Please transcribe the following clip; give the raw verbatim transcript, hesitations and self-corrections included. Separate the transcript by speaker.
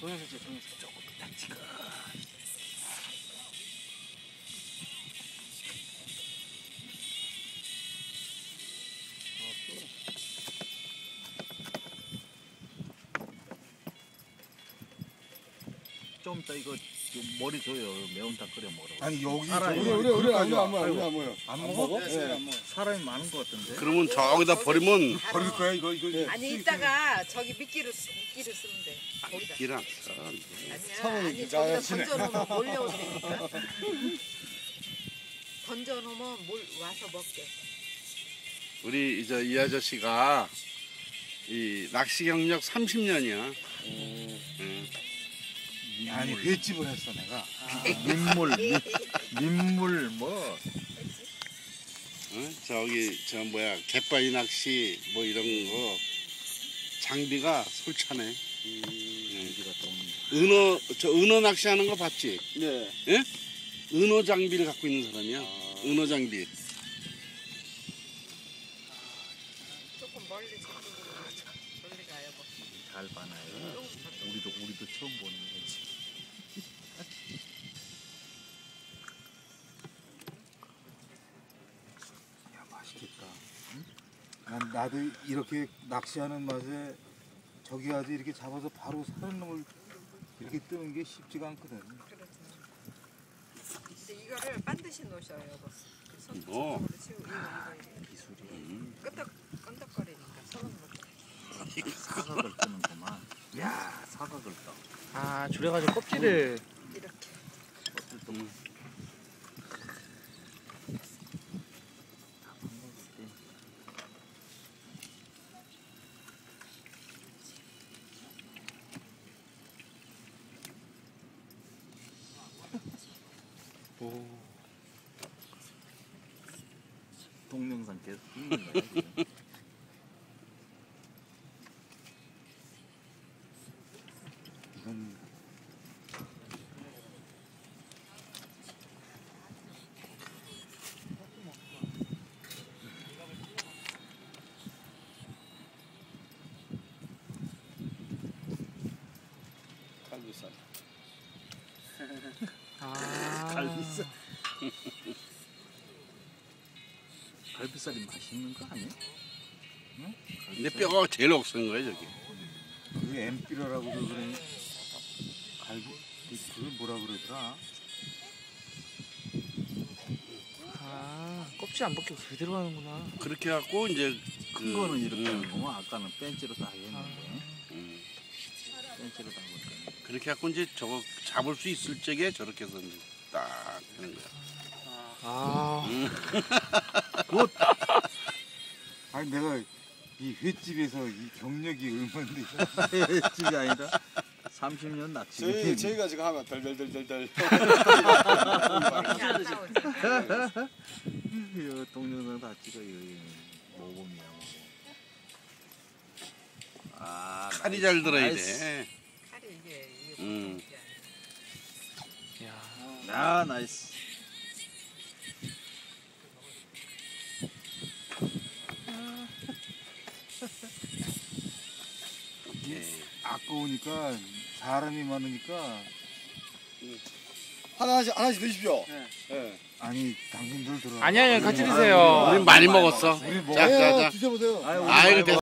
Speaker 1: 동영상 찍어, 동영상. 조금 딱 찍어. 좀 이따 이거 머리 줘요. 매운탕 끓여 먹으러.
Speaker 2: 아니 여기
Speaker 1: 사람이
Speaker 2: 우리 우리 우리 안 먹어 안 먹어 안 먹어
Speaker 1: 안 먹어? 네. 사람이 많은 것 같은데.
Speaker 3: 그러면 저기다 버리면
Speaker 2: 버릴 거야 이거 이거.
Speaker 4: 아니 이따가 저기 미끼를 쓰- 미끼를 쓰면 돼. 거기다.
Speaker 3: 기랑
Speaker 4: 아니야. 아니 저기다 던져놓으면 몰려오니까. 던져놓으면 몰 와서 먹게.
Speaker 3: 우리 이제 이 아저씨가 이 낚시 경력 삼십 년이야. 응.
Speaker 2: 아니 횟집을 했어 내가.
Speaker 1: 민물, 민, 민물 뭐.
Speaker 3: 어? 저기 저 뭐야 갯바위 낚시 뭐 이런 거 장비가 솔찬해.
Speaker 1: 여기가 좀.
Speaker 3: 은어 저 은어 낚시하는 거 봤지?
Speaker 5: 네.
Speaker 3: 예? 은어 장비를 갖고 있는 사람이야.
Speaker 5: 아.
Speaker 3: 은어 장비.
Speaker 4: 조금 멀리 저쪽으로 멀리 가요. 뭐.
Speaker 1: 잘 봐놔요. 우리도 우리도 처음 보는 거지.
Speaker 2: 야 맛있겠다. 응? 난 나도 이렇게 낚시하는 맛에 저기 가서 이렇게 잡아서 바로 사는 놈을 이렇게 뜨는 게 쉽지가 않거든.
Speaker 4: 그렇죠. 근데 이거를 반드시 놓으셔요, 여보. 손
Speaker 3: 뭐?
Speaker 4: 손으로 치우고 이거 이거 기술이. 끄덕 끄덕거리니까 손으로.
Speaker 1: 사각을 뜨는구만. 야, 사각을 떠.
Speaker 5: 아, 줄여가지고 껍질을.
Speaker 4: 이렇게.
Speaker 1: 껍질 또.
Speaker 3: 음.
Speaker 1: 오. 동영상 계속 찍는 거야 지금.
Speaker 2: 이건
Speaker 5: 갈비살.
Speaker 4: 아.
Speaker 1: 갈비살. 갈비살이 맛있는 거 아니야? 응?
Speaker 3: 근데 뼈가 제일 억센 거야 저기.
Speaker 2: 그게 엠피러라고 그러더니 갈비 그- 그걸 뭐라 그러더라?
Speaker 5: 아, 껍질 안 벗기고 그대로 하는구나.
Speaker 3: 그렇게 갖고 이제
Speaker 1: 큰 거는 이렇게
Speaker 3: 음,
Speaker 1: 하는 거고 아까는 벤치로 다 했는데.
Speaker 3: 음.
Speaker 1: 벤치로 다 했는데.
Speaker 3: 그렇게 갖고 이제 저거 잡을 수 있을 적에 저렇게 해서 이제 딱 하는 거야.
Speaker 5: 아,
Speaker 2: 굿! 아니 내가 이 횟집에서 이 경력이 얼마인데
Speaker 1: 집이 아니라 삼십 년 낚시.
Speaker 5: 저희 저희가 지금 하면 덜덜덜덜덜.
Speaker 4: 이렇게 안 나오잖아.
Speaker 1: 이거 동영상 다 찍어요. 모범이야. 아,
Speaker 3: 칼이
Speaker 1: 나이스,
Speaker 3: 잘 들어야
Speaker 1: 나이스.
Speaker 3: 돼.
Speaker 4: 칼이 이게 이게
Speaker 3: 음.
Speaker 4: 보통 게 아니야.
Speaker 5: 야,
Speaker 1: 아, 나이스.
Speaker 3: 오케이.
Speaker 2: 아까우니까 사람이 많으니까
Speaker 5: 하나씩 하나씩 드십시오. 네.
Speaker 2: 아니 당신들 들어.
Speaker 5: 아니 아니 같이 드세요.
Speaker 3: 우린 많이 먹었어.
Speaker 2: 우리 먹-
Speaker 3: 자, 자, 자.
Speaker 5: 드셔보세요.
Speaker 1: 아유, 우리
Speaker 3: 아이고
Speaker 1: 말고.
Speaker 3: 됐어.